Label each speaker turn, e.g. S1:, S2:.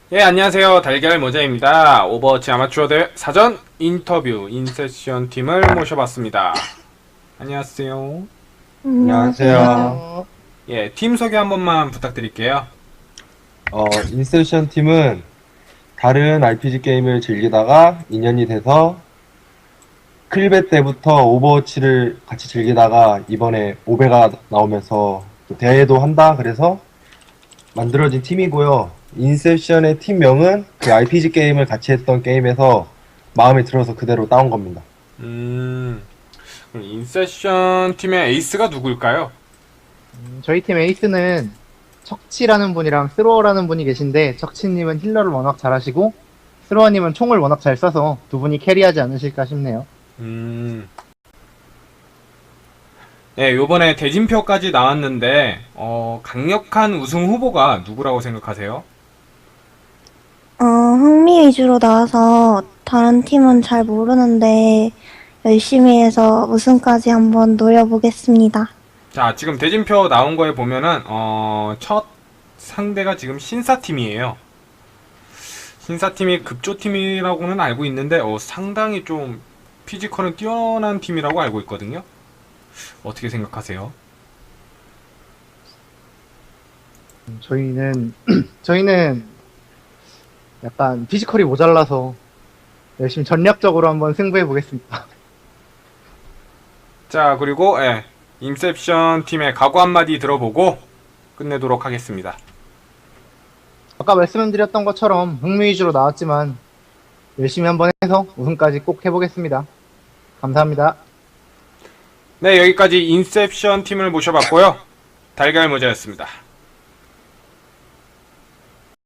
S1: 예, 안녕하세요. 달걀 모자입니다. 오버워치 아마추어 대회 사전 인터뷰 인세션 팀을 모셔봤습니다. 안녕하세요.
S2: 안녕하세요.
S3: 안녕하세요.
S1: 예, 팀 소개 한 번만 부탁드릴게요.
S2: 인셉션 팀은 다른 RPG 게임을 즐기다가 인연이 돼서 클베 때부터 오버워치를 같이 즐기다가 이번에 오베가 나오면서 또 대회도 한다 그래서 만들어진 팀이고요. 인셉션의 팀명은 그 RPG 게임을 같이 했던 게임에서 마음에 들어서 그대로 따온 겁니다.
S1: 그럼 인세션 팀의 에이스가 누굴까요?
S3: 저희 팀 에이스는 척치라는 분이랑 스로어라는 분이 계신데, 척치님은 힐러를 워낙 잘하시고 스로어님은 총을 워낙 잘 쏴서 두 분이 캐리하지 않으실까 싶네요.
S1: 예, 요번에 대진표까지 나왔는데, 강력한 우승 후보가 누구라고 생각하세요?
S4: 흥미 위주로 나와서 다른 팀은 잘 모르는데 열심히 해서 우승까지 한번 노려보겠습니다.
S1: 자, 지금 대진표 나온 거에 보면은, 첫 상대가 지금 신사팀이에요. 신사팀이 급조팀이라고는 알고 있는데, 상당히 좀 피지컬은 뛰어난 팀이라고 알고 있거든요. 어떻게 생각하세요?
S3: 저희는 약간 피지컬이 모자라서 열심히 전략적으로 한번 승부해 보겠습니다.
S1: 자, 그리고, 예, 인셉션 팀의 각오 한마디 들어보고 끝내도록 하겠습니다.
S3: 아까 말씀드렸던 것처럼 흥미 위주로 나왔지만 열심히 한번 해서 우승까지 꼭 해보겠습니다. 감사합니다.
S1: 네, 여기까지 인셉션 팀을 모셔봤고요. 달걀 모자였습니다.